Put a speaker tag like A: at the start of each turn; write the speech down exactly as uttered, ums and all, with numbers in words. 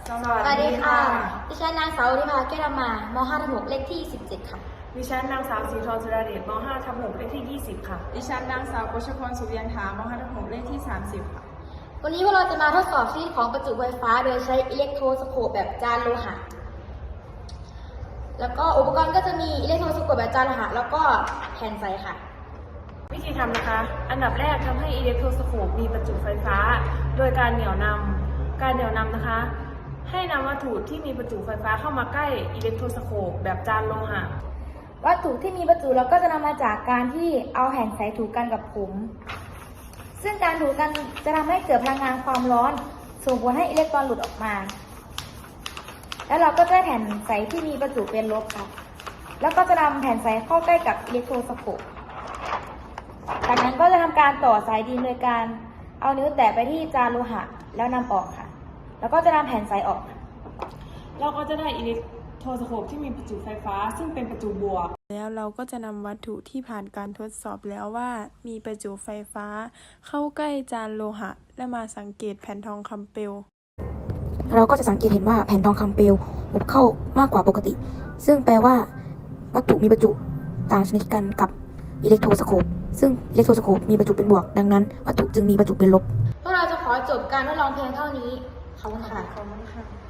A: สวัสดีค่ะดิฉันนางสาวริภาแก้วดำมาม .ห้า ทับ หก เลขที่ สิบเจ็ด ค่ะ
B: ดิฉันนางสาวสีทองสุดาเดชม . ห้า ทับ หก เลขที่ ยี่สิบ ค่ะ
C: ดิฉันนางสาวกฤษพรสุเวียนถาม .ห้า ทับ หก เลขที่ สามสิบ ค่ะ
A: วันนี้พวกเราจะมาทดสอบชนิดของประจุไฟฟ้าโดยใช้อิเล็กโทรสโคปแบบจานโลหะแล้วก็อุปกรณ์ก็จะมีอิเล็กโทรสโคปแบบจานโลหะแล้วก็แผ่นใสค่ะ
B: วิธีทำนะคะอันดับแรกทำให้อิเล็กโทรสโคปมีประจุไฟฟ้าโดยการเหนี่ยวนำการเหนี่ยวนำนะคะให้นำวัตถุที่มีประจุไฟฟ้าเข้ามาใกล้อิเล็กโทรสโคปแบบจานโลหะ
A: วัตถุที่มีประจุเราก็จะนำมาจากการที่เอาแผ่นใสถูกันกับผมซึ่งการถูกันจะทำให้เกิดพลังงานความร้อนส่งผลให้อิเล็กตรอนหลุดออกมาแล้วเราก็จะได้แผ่นใสที่มีประจุเป็นลบค่ะแล้วก็จะนำแผ่นใสเข้าใกล้กับอิเล็กโทรสโคปจากนั้นก็จะทำการต่อสายดินโดยการเอานิ้วแตะไปที่จานโลหะแล้วนำออกค่ะแล้วก็จะนำแผ่นใสออก
B: เราก็จะได้อิเล็กโทรสโคปที่มีประจุไฟฟ้าซึ่งเป็นประจุบวก
C: แล้วเราก็จะนำวัตถุที่ผ่านการทดสอบแล้วว่ามีประจุไฟฟ้าเข้าใกล้จานโลหะและมาสังเกตแผ่นทองคำเปลว
D: เราก็จะสังเกตเห็นว่าแผ่นทองคำเปลวอบเข้ามากกว่าปกติซึ่งแปลว่าวัตถุมีประจุต่างชนิดกันกับอิเล็กโทรสโคปซึ่งอิเล็กโทรสโคปมีประจุเป็นบวกดังนั้นวัตถุจึงมีประจุเป็นลบ
A: พวกเราจะขอจบการทดลองเพียงเท่านี้ขอบคุณค่ะ
B: ขอบคุณค่ะ